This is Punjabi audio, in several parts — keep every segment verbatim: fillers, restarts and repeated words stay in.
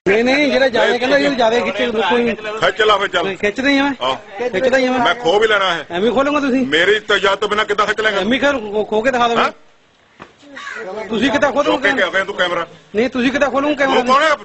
नहीं नहीं जेड़ा ज्यादा कहना ये ज्यादा खिच्चे कोई खिच ला फिर चल खिच नहीं है मैं खिचदा ही मैं खो भी लेना है एवं खोलूंगा तुसी मेरी इजाजत तो बिना कितना खिच लेगा एवं खैर खो के दिखा दो तुसी कितना खोलोगे तू कैमरा नहीं तुसी कितना खोलोगे कैमरा कौन है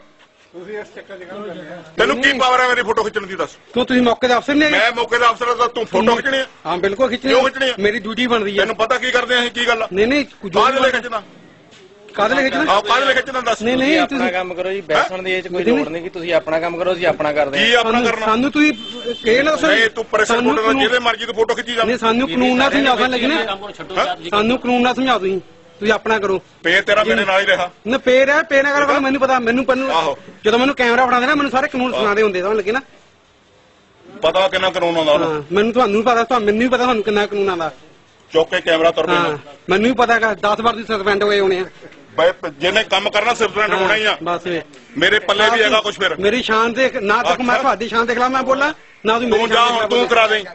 तेन की पावर है मेरी फोटो खिचने की दस क्यों तुसी मौके दा अफसर नहीं मैं मौके दा अफसर दा तू फोटो खिचनी है हां बिल्कुल खिचनी क्यों खिचनी है मेरी ड्यूटी बन रही है तेन पता की करदे हैं की गल नहीं नहीं काहदे ले खिचना ਕਾਹਦੇ ਲਈ ਖਿੱਚਣਾ ਆਹ ਕਾਹਦੇ ਲਈ ਖਿੱਚਣਾ ਦੱਸ ਨਹੀਂ ਨਹੀਂ ਆਪਣਾ ਕੰਮ ਕਰੋ ਜੀ ਬੈਠਣ ਦੀ ਇਹ ਚ ਕੋਈ ਲੋੜ ਨਹੀਂ ਕਿ ਤੁਸੀਂ ਆਪਣਾ ਕੰਮ ਕਰੋ ਅਸੀਂ ਆਪਣਾ ਕਰਦੇ ਕੀ ਆਪਣਾ ਕਰਨਾ ਸਾਨੂੰ ਤੁਸੀਂ ਕਿਹੜੇ ਨਾਲ ਨਹੀਂ ਤੂੰ ਪ੍ਰੈਸ਼ਰ ਫੋਟੋ ਨਾਲ ਜਿਹਦੇ ਮਰਜ਼ੀ ਤੂੰ ਫੋਟੋ ਖਿੱਚੀ ਜਾ ਨਹੀਂ ਸਾਨੂੰ ਕਾਨੂੰਨ ਨਾਲ ਸਮਝਾਉਣਾ ਲੱਗਣਾ ਸਾਨੂੰ ਕਾਨੂੰਨ ਨਾਲ ਸਮਝਾਓ ਤੁਸੀਂ ਤੁਸੀਂ ਆਪਣਾ ਕਰੋ ਪੇ ਤੇਰਾ ਮੇਰੇ ਨਾਲ ਹੀ ਰਿਹਾ ਨਾ ਪੇ ਰਿਹਾ ਪੇ ਨਾ ਕਰੋ ਮੈਨੂੰ ਪਤਾ ਮੈਨੂੰ ਪੰਨੂ ਜਦੋਂ ਮੈਨੂੰ ਕੈਮਰਾ ਫੜਾਉਂਦੇ ਨਾ ਮੈਨੂੰ ਸਾਰੇ ਕਾਨੂੰਨ ਸੁਣਾਦੇ ਹੁੰਦੇ ਸਮਝ ਲੱਗੇ ਨਾ ਪਤਾ ਕਿੰਨਾ ਕਾਨੂੰਨ ਆਉਂਦਾ ਉਹਨੂੰ ਮੈਨੂੰ ਤੁਹਾਨੂੰ ਪਤਾ ਤੁਹਾਨੂੰ ਮੈਨੂੰ ਵੀ ਪਤਾ ਤੁਹਾਨੂੰ ਕਿੰਨਾ ਕਾਨੂੰਨ ਆਉਂਦਾ ਚੁੱਕ ਕੇ ਕੈਮਰਾ ਤੁਰ ਪੈਣਾ ਮੈਨੂੰ ਵੀ ਪਤਾ ਹੈਗਾ ਦਸ ਵਾਰ ਦੀ ਸਸਪੈਂਡ ਹੋਏ ਹੋਣੇ ਆ ਜਿਹਨੇ ਕੰਮ ਕਰਨਾ ਸਸਪੈਂਡ ਹੋਣਾ ਹੀ ਆ ਬਸ ਮੇਰੇ ਪੱਲੇ ਵੀ ਹੈਗਾ ਕੁਝ ਫਿਰ ਮੇਰੀ ਸ਼ਾਨ ਦੇ ਨਾ ਤੱਕ ਮੈਂ ਤੁਹਾਡੀ ਸ਼ਾਨ ਦੇ ਖਿਲਾਫ ਮੈਂ ਬੋਲਾਂ ਨਾ ਤੁਸੀਂ ਤੂੰ ਜਾ ਹੁਣ ਤੂੰ ਕਰਾ ਦੇ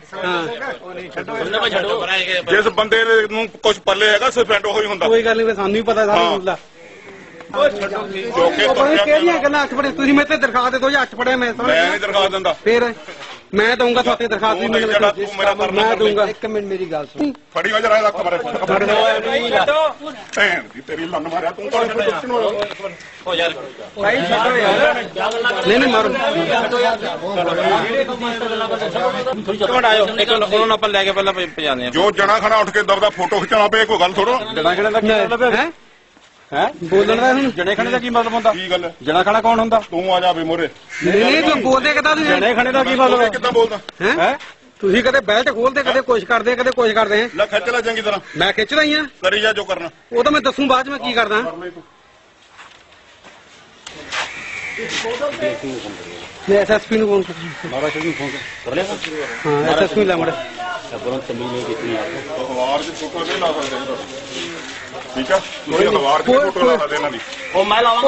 ਜਿਸ ਬੰਦੇ ਨੂੰ ਕੁਝ ਪੱਲੇ ਹੈਗਾ ਸਸਪੈਂਡ ਉਹੀ ਹੁੰਦਾ ਕੋਈ ਗੱਲ ਨਹੀਂ ਸਾਨੂੰ ਵੀ ਪਤਾ ਸਾਰਾ ਕੁਝ ਦਾ ਕਿਹੜੀਆਂ ਗੱਲਾਂ ਅੱਠ ਫੜੇ ਤੁਸੀਂ ਮੇਰੇ ਤੇ ਦਰਖਾਸਤ ਦੇ ਦੋ ਜਾਂ ਅੱਠ ਫੜੇ ਮੈਂ ਮੈਂ ਨਹੀਂ ਦਰਖਾਸਤ ਦਿੰਦਾ ਫਿਰ ਮੈਂ ਦਊਂਗਾ ਤੁਹਾਡੇ ਦਰਖਾਸਤ ਵੀ ਮੈਂ ਦਊਂਗਾ ਇੱਕ ਮਿੰਟ ਮੇਰੀ ਗੱਲ ਸੁਣ ਫੜੀ ਹੋ ਜਰਾ ਇਹਦਾ ਕਮਰੇ ਭੈਣ ਦੀ ਤੇਰੀ ਲੰਨ ਮਾਰਿਆ ਤੂੰ ਕੋਲ ਹੋ ਯਾਰ ਭਾਈ ਛੱਡੋ ਯਾਰ ਨਹੀਂ ਨਹੀਂ ਮਾਰੋ ਕੌਣ ਆਇਓ ਇੱਕ ਉਹਨਾਂ ਨੂੰ ਆਪਾਂ ਲੈ ਕੇ ਪਹਿਲਾਂ ਪਜਾਉਂਦੇ ਆ ਜੋ ਜਣਾ ਖਣਾ ਉੱਠ ਕੇ ਦਬਦਾ ਫੋਟੋ ਖਿਚਾਉਣਾ ਪਏ ਕੋਈ ਗੱਲ ਥੋੜੋ ਜਣਾ ਖਣਾ ਦਾ ਕੀ ਮਤਲਬ ਹੈ ਹੈ ਬੋਲਣ ਦਾ ਹੁਣ ਜਣੇ ਖਣੇ ਦਾ ਕੀ ਮਤਲਬ ਹੁੰਦਾ ਕੀ ਗੱਲ ਜਣਾ ਖਣਾ ਕੌਣ ਹੁੰਦਾ ਤੂੰ ਆ ਜਾ ਵੀ ਮੋਰੇ ਨਹੀਂ ਨਹੀਂ ਤੂੰ ਬੋਲਦੇ ਕਿਦਾਂ ਤੁਸੀਂ ਜਣੇ ਖਣੇ ਦਾ ਕੀ ਮਤਲਬ ਕਿੱਦਾਂ ਬੋਲਦਾ ਹੈ ਤੁਸੀਂ ਕਦੇ ਬੈਲਟ ਖੋਲਦੇ ਕਦੇ ਕੁਛ ਕਰਦੇ ਕਦੇ ਕੁਛ ਕਰਦੇ ਆ ਲੈ ਖਿੱਚ ਲੈ ਚੰਗੀ ਤਰ੍ਹਾਂ ਮੈਂ ਖਿੱਚਦਾ ਹੀ ਆ ਕਰੀ ਜਾ ਜੋ ਕਰਨਾ ਉਹ ਤਾਂ ਮੈਂ ਦੱਸੂ ਬਾਅਦ ਚ ਮੈਂ ਕੀ ਕਰਦਾ ਮੈਂ ਐਸਐਸਪੀ ਨੂੰ ਫੋਨ ਕਰ ਮਾਰਾ ਸ਼ੁਰੂ ਫੋਨ ਕਰ ਲਿਆ ਹਾਂ ਐਸਐਸਪੀ ਲੈ ਮੜਾ ਸਬਰੋਂ ਤਮੀਜ਼ ਨਹੀਂ ਕੀਤੀ ਅਖਬਾਰ ਦੀ ਫੋਟੋ ਨਹੀਂ ਲਾ ਸਕਦੇ ਠੀਕ ਆ ਕੋਈ ਅਖਬਾਰ ਦੀ ਫੋਟੋ ਲਾ ਦੇ ਇਹਨਾਂ ਦੀ ਉਹ ਮੈਂ ਲਾਵਾਂ